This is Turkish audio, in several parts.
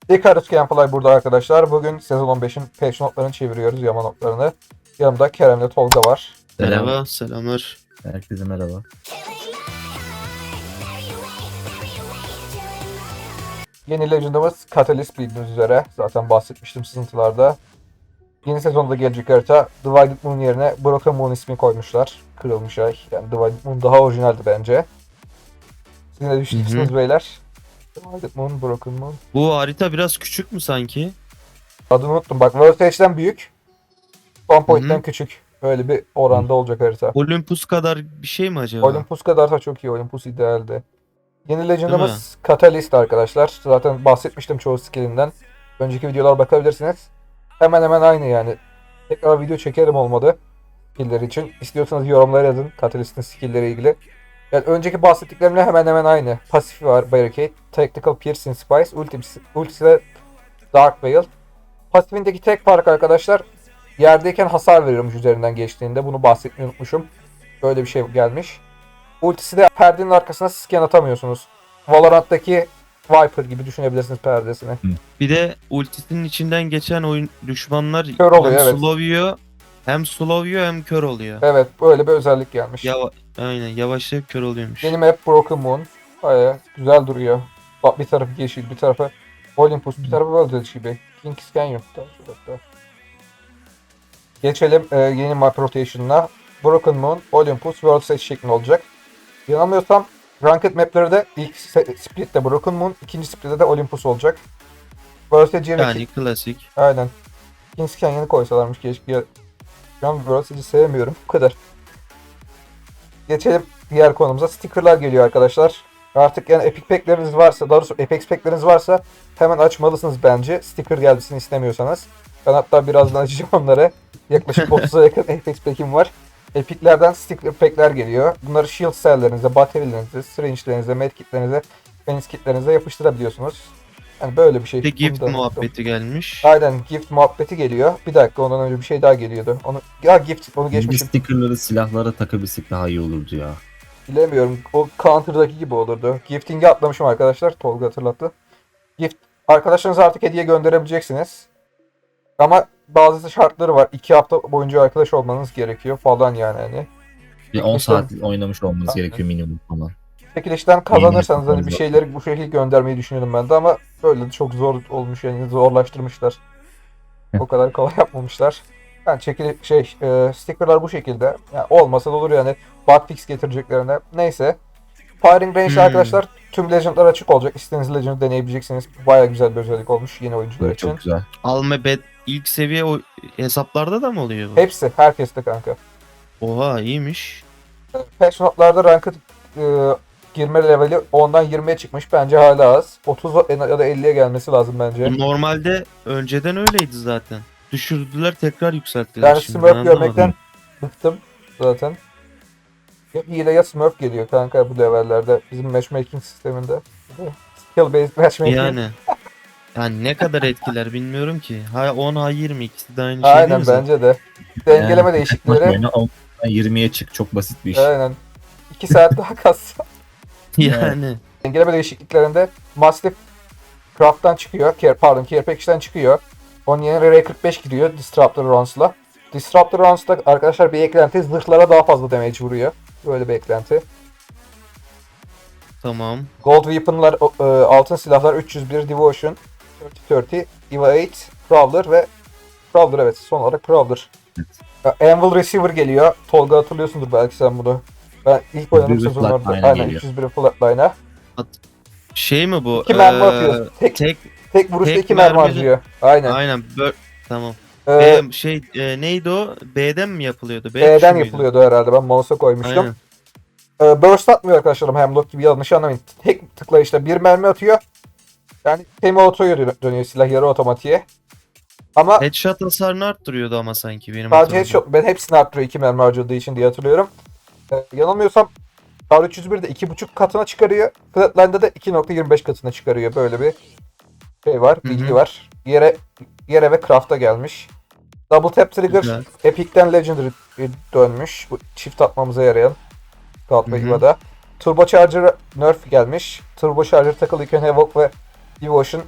Icarus Gameplay burada arkadaşlar. Bugün sezon 15'in patch notlarını çeviriyoruz, yama notlarını. Yanımda Kerem'le Tolga var. Merhaba, selamlar. Herkese merhaba. Yeni Legend'ımız Catalyst bildiğiniz üzere. Zaten bahsetmiştim sızıntılarda. Yeni sezonda gelecek harita Divided Moon yerine Broken Moon ismi koymuşlar. Kırılmış ay. Yani Divided Moon daha orijinaldi bence. Siz ne düşünüyorsunuz beyler? Divided Moon, Broken Moon. Bu harita biraz küçük mü sanki? Adını unuttum. Bak World Stage'den büyük. Spawn Point'ten küçük. Öyle bir oranda olacak harita. Olympus kadar bir şey mi acaba? Olympus kadar da çok iyi. Olympus idealdi. Yeni Değil Legend'ımız Catalyst arkadaşlar. Zaten bahsetmiştim çoğu skillinden. Önceki videolar bakabilirsiniz. Hemen hemen aynı yani. Tekrar video çekerim olmadı. Skill'leri için. İstiyorsanız yorumlara yazın Catalyst'in skill'leri ilgili. Yani önceki bahsettiklerimle hemen hemen aynı. Pasifi var Barricade. Tactical Piercing Spice. Ultisi de Dark Veil. Pasifindeki tek fark arkadaşlar, yerdeyken hasar veriyormuş üzerinden geçtiğinde. Bunu bahsetmeyi unutmuşum. Böyle bir şey gelmiş. Ultisi de perdenin arkasına scan atamıyorsunuz. Valorant'taki Viper gibi düşünebilirsiniz perdesini. Bir de ultisinin içinden geçen oyun düşmanlar Kör oluyor, hem evet. slow yiyor hem kör oluyor. Evet, böyle bir özellik gelmiş. Aynen, yavaşlayıp kör oluyormuş. Yeni map Broken Moon. Baya güzel duruyor. Bak, bir tarafı yeşil, bir tarafı Olympus, bir tarafı World gibi. King's Canyon. Geçelim yeni map rotation'ına. Broken Moon, Olympus, World Stage şeklinde olacak. Yanılmıyorsam Ranked map'leri de ilk split'te Broken Moon, ikinci split'te de Olympus olacak. World Stage yerine Yani klasik. aynen. King's Canyon'ı koysalarmış keşke. Şu an World Stage'i sevmiyorum. Bu kadar. Geçelim diğer konumuza. Sticker'lar geliyor arkadaşlar. Artık yani Epic Pack'leriniz varsa, daha doğrusu Apex Pack'leriniz varsa hemen açmalısınız bence. Sticker gelmesini istemiyorsanız. Ben hatta birazdan açacağım onları. Yaklaşık 30'a yakın Apex Pack'im var. Epic'lerden sticker pack'ler geliyor. Bunları shield cell'lerinize, battery'lerinize, syringe'lerinize, medkit'lerinize, fence kit'lerinize yapıştırabiliyorsunuz. Yani böyle bir şey. Bir de gift Bunu da muhabbeti gelmiş. aynen, gift muhabbeti geliyor. Bir dakika, ondan önce bir şey daha geliyordu. Gift, onu Bu geçmişim. stickerları silahlara takabilsek daha iyi olurdu ya. Bilemiyorum. O Counter'daki gibi olurdu. Gifting'i atlamışım arkadaşlar. Tolga hatırlattı. Gift arkadaşlarınıza artık hediye gönderebileceksiniz. Ama bazı şartları var. 2 hafta boyunca arkadaş olmanız gerekiyor falan yani hani. Bir 10 İşte- saat oynamış olmanız Aynen. gerekiyor minimum falan. Çekilişten kazanırsanız hani bir hesaplarınız şeyleri bu şekilde göndermeyi düşünüyordum ben de, ama böyle de çok zor olmuş yani, zorlaştırmışlar. O kadar kolay yapmamışlar. Yani stickerlar bu şekilde. Yani olmasa da olur yani, bugfix getireceklerine. Neyse. Firing Range'de arkadaşlar tüm Legend'lar açık olacak. İstediğiniz Legend'ı deneyebileceksiniz. Baya güzel bir özellik olmuş yeni oyuncular Böyle için. çok güzel. Alma bet ilk seviye o hesaplarda da mı oluyor bu? Hepsi, herkeste kanka. Oha, iyiymiş. Patch notlarda ranked girme leveli 10'dan 20'ye çıkmış. Bence hala az. 30 ya da 50'ye gelmesi lazım bence. Bu normalde önceden öyleydi zaten. Düşürdüler, tekrar yükselttiler. Yani şimdi. Smurf Ben anlamadım. görmekten bıktım zaten. Ya hile ya Smurf geliyor kanka bu levellerde. Bizim matchmaking sisteminde. Skill based matchmaking. Yani ne kadar etkiler bilmiyorum ki. Ha 10 ha 20 ikisi de aynı şey değil Aynen, mi zaten? bence de. Dengeleme Yani, değişiklikleri. oyna 20'ye çık, çok basit bir iş. Aynen. 2 saat daha kassa. Yani. Dengeleme değişikliklerinde Mastiff Craft'tan çıkıyor. Care Package'den çıkıyor. Onun yerine R45 giriyor Disruptor Rounds'la. Disruptor Rounds'da arkadaşlar bir eklenti, zırhlara daha fazla damage vuruyor. Böyle bir eklenti. Tamam. Gold Weapon'lar, altın silahlar 301 Devotion, 3030, Eva 8, Prowler ve Prowler, evet, son olarak Prowler. Anvil Receiver geliyor. Tolga hatırlıyorsundur belki sen bunu. Ben ilk oynadığım 301 sezonlarda Flatline'a aynen geliyor. 301 Flatline'a. Şey mi bu? 2 mermi atıyor. Tek vuruşta tek 2 mermi mermide- harcıyor. Aynen. Aynen. Tamam. Ee, Neydi o? B'den mi yapılıyordu? B B'den tuşu muydu? yapılıyordu herhalde. Ben mouse'a koymuştum. Aynen. Burst atmıyor arkadaşlarım. Hemlock gibi, yanlış anlamayın. Tek tıklayışla bir mermi atıyor. Yani semi otoya dönüyor silah, yarı otomatiğe. Ama Headshot hasarını arttırıyordu ama sanki benim sadece hatırladığım. headshot, ben hepsini arttırıyor 2 mermi harcadığı için diye hatırlıyorum. Yanılmıyorsam R301'de 2.5 katına çıkarıyor. Flatline'da da 2.25 katına çıkarıyor. Böyle bir şey var, Hı hı. bilgi var. Yere ve craft'a gelmiş. Double Tap Trigger Güzel. Epic'ten Legendary dönmüş. Bu çift atmamıza yarayan Scout ve Hı hı. Eva'da. Turbocharger nerf gelmiş. Turbocharger takılıyken Havoc ve Devotion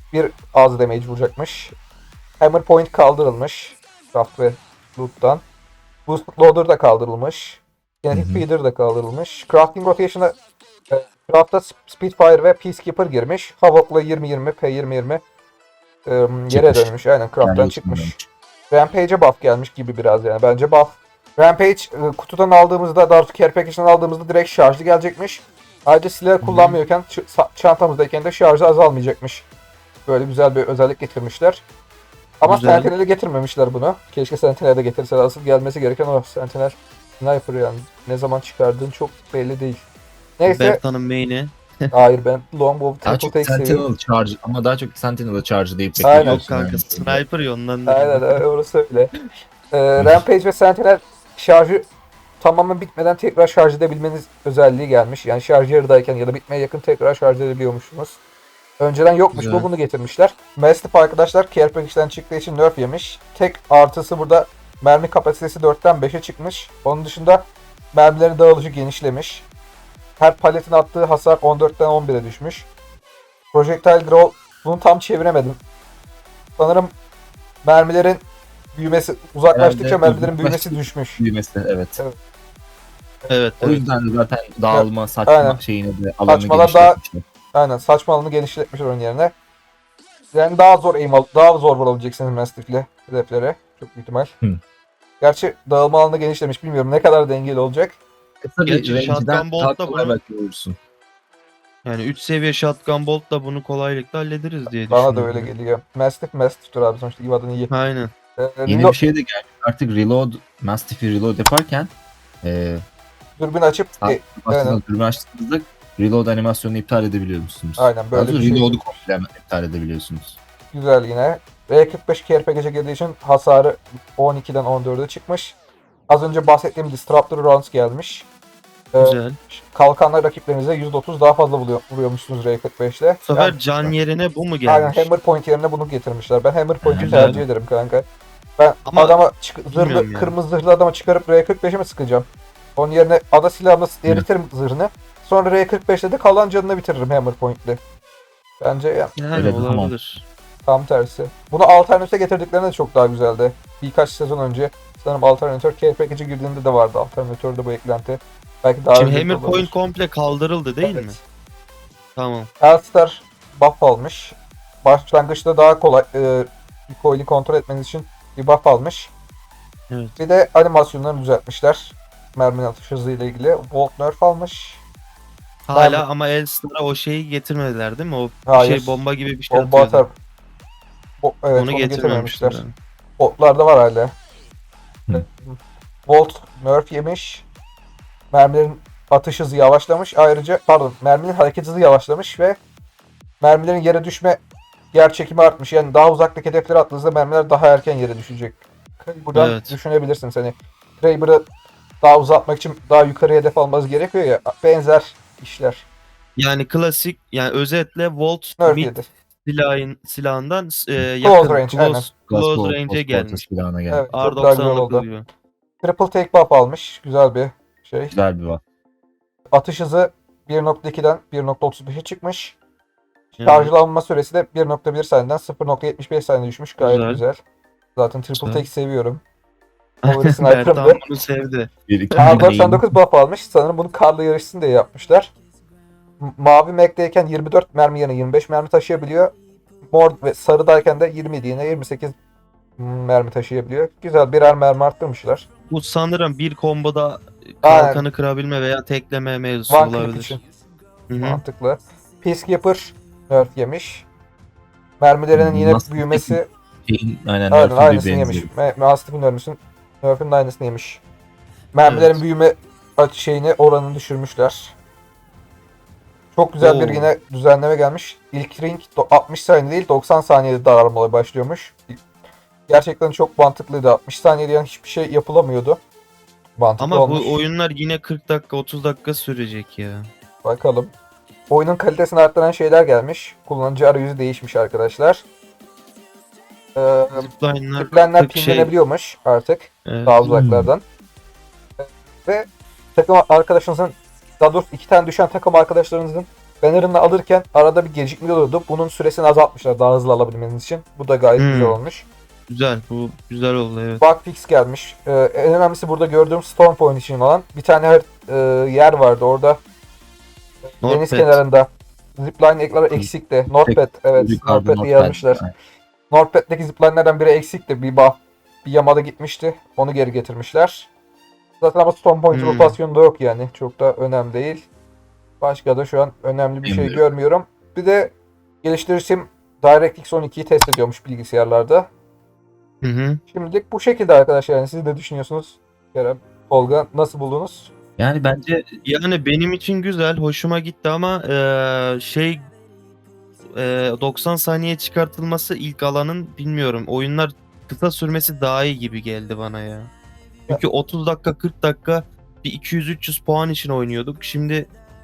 bir az damage vuracakmış. Hammer point kaldırılmış. Craft ve loot'tan. Boost loader da kaldırılmış. Kinetic feeder da kaldırılmış. Crafting rotation'a craft'a Spitfire ve Peacekeeper girmiş. Havok'la 20-20, P20-20 yere Çıkmış. dönmüş. Aynen craft'tan Yani çıkmış. Rampage'e buff gelmiş gibi biraz yani. Bence buff. Rampage kutudan aldığımızda, daha doğrusu care package'den aldığımızda direkt şarjlı gelecekmiş. Ayrıca silah kullanmıyorken çantamızdayken de şarjı azalmayacakmış. Böyle güzel bir özellik getirmişler. Ama Güzel. Sentinel'e getirmemişler bunu. Keşke Sentinel'e de getirseler. Asıl gelmesi gereken o Sentinel Sniper yani. Ne zaman çıkardığın çok belli değil. Neyse. Berta'nın main'i. Hayır, ben Longbow Daha Triple çok Take seviyorum. Sentinel charge ama daha çok Sentinel'ı charge deyip Aynen. Yok bekliyorsun. kanka yani. sniper ya ondan da. Aynen orası öyle. Rampage ve Sentinel şarjı tamamen bitmeden tekrar şarj edebilmeniz özelliği gelmiş. Yani şarj yarıdayken ya da bitmeye yakın tekrar şarj edebiliyormuşsunuz. Önceden yokmuş, Güzel. bunu getirmişler. Mastiff arkadaşlar care package'den çıktığı için nerf yemiş. Tek artısı burada mermi kapasitesi 4'ten 5'e çıkmış. Onun dışında mermilerin dağılışı genişlemiş. Her paletin attığı hasar 14'ten 11'e düşmüş. Projectile Draw, bunu tam çeviremedim. Sanırım mermilerin büyümesi, uzaklaştıkça Herhalde mermilerin büyümesi düşmüş. Büyümesi evet. Evet, O evet. yüzden de zaten dağılma, saçma Aynen. şeyini de alanı Saçmalar daha- genişletmişler. Aynen, saçma alanı genişletmişler onun yerine. Yani daha zor aim daha zor vurabileceksiniz Mastiff'le hedeflere. Çok büyük ihtimal. Hı. Gerçi dağılma alanı genişlemiş, bilmiyorum ne kadar dengeli olacak. Kısa bir Gerçi range'den shotgun bolt daha da kolay bunu- belki vurursun. Yani 3 seviye shotgun bolt da bunu kolaylıkla hallederiz diye Bana da düşünüyorum. öyle geliyor. Mastiff'tir abi, sonuçta İva'dan iyi. Aynen. Yeni bir şey de geldi. Artık reload, Mastiff'i reload yaparken Dürbün açıp aslında dürbün açtığınızda reload animasyonunu iptal edebiliyor musunuz? Aynen, böyle Daha doğrusu bir şey. reload'u komple iptal edebiliyorsunuz. Güzel yine. R45 care package'e girdiği için hasarı 12'den 14'e çıkmış. Az önce bahsettiğim Disruptor Rounds gelmiş. Güzel. Kalkanlar rakiplerinize %30 daha fazla vuruyormuşsunuz R45'le. Bu sefer Yani- can yerine bu mu Aynen, gelmiş? Hammer Point yerine bunu getirmişler. Ben Hammer Point'i Güzel. tercih ederim kanka. Ben Ama adama bilmiyorum zırhlı, yani. kırmızı zırhlı adama çıkarıp R45'e mi sıkacağım? Onun yerine ada silahımla eritirim zırhını. Sonra R45'le de kalan canını bitiririm Hammer Point'le. Bence ya, Yani Evet, tamam. olabilir. tam tersi. Bunu alternatife getirdiklerinde de çok daha güzeldi. Birkaç sezon önce sanırım alternatör care package'e girdiğinde de vardı alternatörde bu eklenti. Belki daha Şimdi önce de Hammer olabilir. point komple kaldırıldı değil Evet. mi? Tamam. Elstar buff almış. Başlangıçta daha kolay recoil'i kontrol etmeniz için bir buff almış. Evet. Bir de animasyonlarını düzeltmişler. Merminin atış hızı ile ilgili. Volt nerf almış. Hala ama Elstar'a o şeyi getirmediler değil mi? O Hayır. şey bomba gibi bir şey Bomba atıyordu. atar. Evet, Onu onu getirmemişler. getirmemişler. Botlarda var hala. Hı. Volt nerf yemiş. Mermilerin atış hızı yavaşlamış. Ayrıca merminin hareket hızı yavaşlamış ve mermilerin yere düşme yer çekimi artmış. Yani daha uzaktaki hedeflere attığınızda mermiler daha erken yere düşecek. Buradan Evet. düşünebilirsiniz. Hani Kraber'ı daha uzatmak için daha yukarı hedef almanız gerekiyor ya. Benzer işler. Yani klasik, yani özetle Volt Nerf mid yedi. silahından yakın range, aynen. close range'e gelmiş. Silahına geldi. Evet, çok daha güzel oldu. R90'lık diyor. Triple take buff almış. Güzel bir şey. Güzel bir var. Atış hızı 1.2'den 1.35'e çıkmış. Yani Şarjlanma süresi de 1.1 saniyeden 0.75 saniye düşmüş. Gayet Güzel. güzel. Zaten triple Güzel. take seviyorum. Favori sniper'ımdı. Bertan bunu sevdi. Bir iki R99 buff almış. Sanırım bunu karla yarışsın diye yapmışlar. Mavi Mac'deyken 24 mermi yerine 25 mermi taşıyabiliyor. Mor ve sarıdayken de 27 yerine 28 mermi taşıyabiliyor. Güzel, birer mermi arttırmışlar. Bu sanırım bir komboda Aynen. kalkanı kırabilme veya tekleme mevzusu One click olabilir. için Hı hı. mantıklı. Peacekeeper nerf yemiş. Mermilerinin yine Mastiff büyümesi Aynen, aynen Nerf'in aynısını bir yemiş. benzeri. Mastiff'in nerf'in de aynısını yemiş. Mermilerin Evet. büyüme şeyini, oranını düşürmüşler. Çok güzel bir Oo. yine düzenleme gelmiş. İlk ring 60 saniye değil 90 saniyede dağılmaya başlıyormuş. Gerçekten çok mantıklıydı. 60 saniyede yani hiçbir şey yapılamıyordu. Mantıklı Ama olmuş. bu oyunlar yine 40 dakika 30 dakika sürecek ya. Bakalım. Oyunun kalitesini arttıran şeyler gelmiş. Kullanıcı arayüzü değişmiş arkadaşlar. Zipline'lar Ziplenler 40 şey. pinlenebiliyormuş artık. Evet. Daha uzaklardan. Ve takım arkadaşınızın, daha doğrusu iki tane düşen takım arkadaşlarınızın banner'ını alırken arada bir gecikme oluyordu. Bunun süresini azaltmışlar daha hızlı alabilmeniz için. Bu da gayet güzel olmuş. Güzel. Bu güzel oldu evet. Bug fix gelmiş. En önemlisi burada gördüğüm Storm Point için olan bir tane yer vardı orada. Deniz Northpad. kenarında. Zipline ekleri eksikti. Northpad, evet. Yukarıda Northpad'i Northpad. yazmışlar. Northpad'deki zipline'lerden biri eksikti. Bir yamada gitmişti. Onu geri getirmişler. Zaten ama Storm Point rotasyonu da yok yani. Çok da önemli değil. Başka da şu an önemli bir şey Bilmiyorum. görmüyorum. Bir de geliştiricim DirectX 12'yi test ediyormuş bilgisayarlarda. Hı. Şimdilik bu şekilde arkadaşlar. Yani siz ne düşünüyorsunuz? Kerem, Tolga nasıl buldunuz? Yani bence Yani benim için güzel, hoşuma gitti ama 90 saniye çıkartılması ilk alanın bilmiyorum. Oyunlar kısa sürmesi daha iyi gibi geldi bana ya. Çünkü 30 dakika 40 dakika bir 200-300 puan için oynuyorduk. Şimdi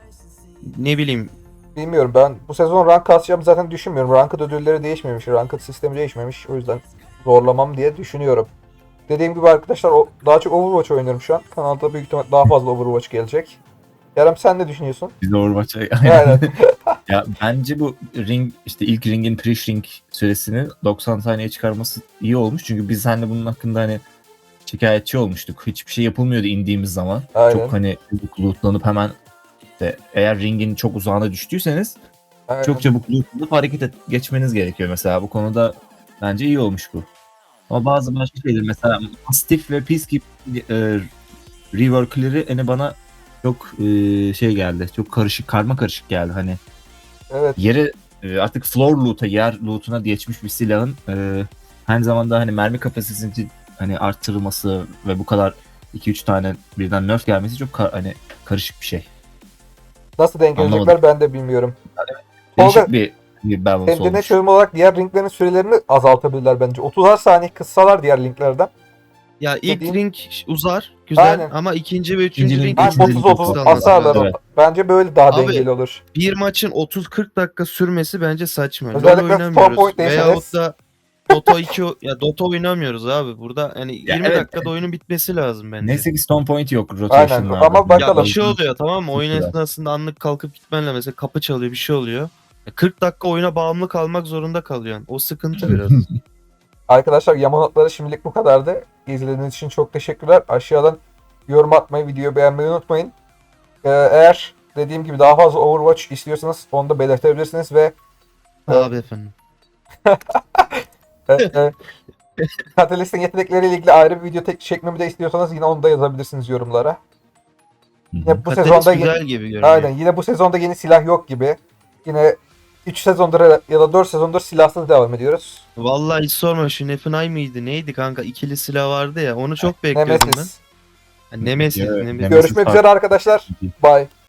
ne bileyim Bilmiyorum, ben bu sezon rank kasacağımı zaten düşünmüyorum. Ranked ödülleri değişmemiş, ranked sistemi değişmemiş. O yüzden zorlamam diye düşünüyorum. Dediğim gibi arkadaşlar daha çok Overwatch oynuyorum şu an. Kanalda büyük ihtimal daha fazla Overwatch gelecek. Kerem sen ne düşünüyorsun? biz de Overwatch'a Aynen. ya bence bu ring işte ilk ringin pre-ring süresini 90 saniye çıkarması iyi olmuş. Çünkü biz hani bunun hakkında hani şikayetçi olmuştuk. Hiçbir şey yapılmıyordu indiğimiz zaman. Aynen. Çok hani çabuk lootlanıp hemen işte eğer ringin çok uzağına düştüyseniz Aynen. çok çabuk lootlanıp geçmeniz gerekiyor mesela. Bu konuda bence iyi olmuş bu. Ama bazı başka şeyler mesela Mastiff ve Peacekeeper rework'leri hani bana çok şey geldi. Çok karma karışık geldi. Hani Evet. yere artık floor loot'a, yer loot'una geçmiş bir silahın aynı zamanda hani mermi kapasitesini hani arttırılması ve bu kadar 2-3 tane birden nerf gelmesi çok hani karışık bir şey. Nasıl denk gelecekler Anlamadım. ben de bilmiyorum. Değişik Tolga, bir balance kendine olmuş. çözüm olarak diğer linklerin sürelerini azaltabilirler bence. 30'ar saniye kıssalar diğer linklerden. ya ilk Dediğim- ring uzar güzel Aynen. ama ikinci ve üçüncü İkinci ring ring, Ha, üçüncü ring 30-30 çok asarlar. Evet. Bence böyle daha Abi, dengeli olur. bir maçın 30-40 dakika sürmesi bence saçma. Özellikle LoL Storm oynamıyoruz. Point değilseniz- Veyahut da Dota 2 ya Dota oynamıyoruz abi. Burada yani 20 evet. dakikada oyunun bitmesi lazım bence. Neyse ki Stone Point yok Aynen, rotation'larda. ama Ya bakalım. bir şey oluyor tamam mı? Oyun Güzel. esnasında anlık kalkıp gitmenle mesela kapı çalıyor bir şey oluyor. 40 dakika oyuna bağımlı kalmak zorunda kalıyorsun. O sıkıntı biraz. Arkadaşlar yama notları şimdilik bu kadardı. İzlediğiniz için çok teşekkürler. Aşağıdan yorum atmayı, videoyu beğenmeyi unutmayın. Eğer dediğim gibi daha fazla Overwatch istiyorsanız onu da belirtebilirsiniz ve Abi efendim. e, Catalyst'in yetenekleriyle ilgili ayrı bir video çekmemi de istiyorsanız yine onu da yazabilirsiniz yorumlara. Yine bu Catalyst sezonda güzel gibi görünüyor. aynen, yine bu sezonda yeni silah yok gibi. Yine 3 sezondur ya da 4 sezondur silahsız devam ediyoruz. Vallahi hiç sorma şu Nefinay mıydı neydi kanka ikili silah vardı ya onu çok bekliyordum ben. Nemesis. Ha, Nemesis. Evet, Nemesis. Görüşmek üzere arkadaşlar. Bye.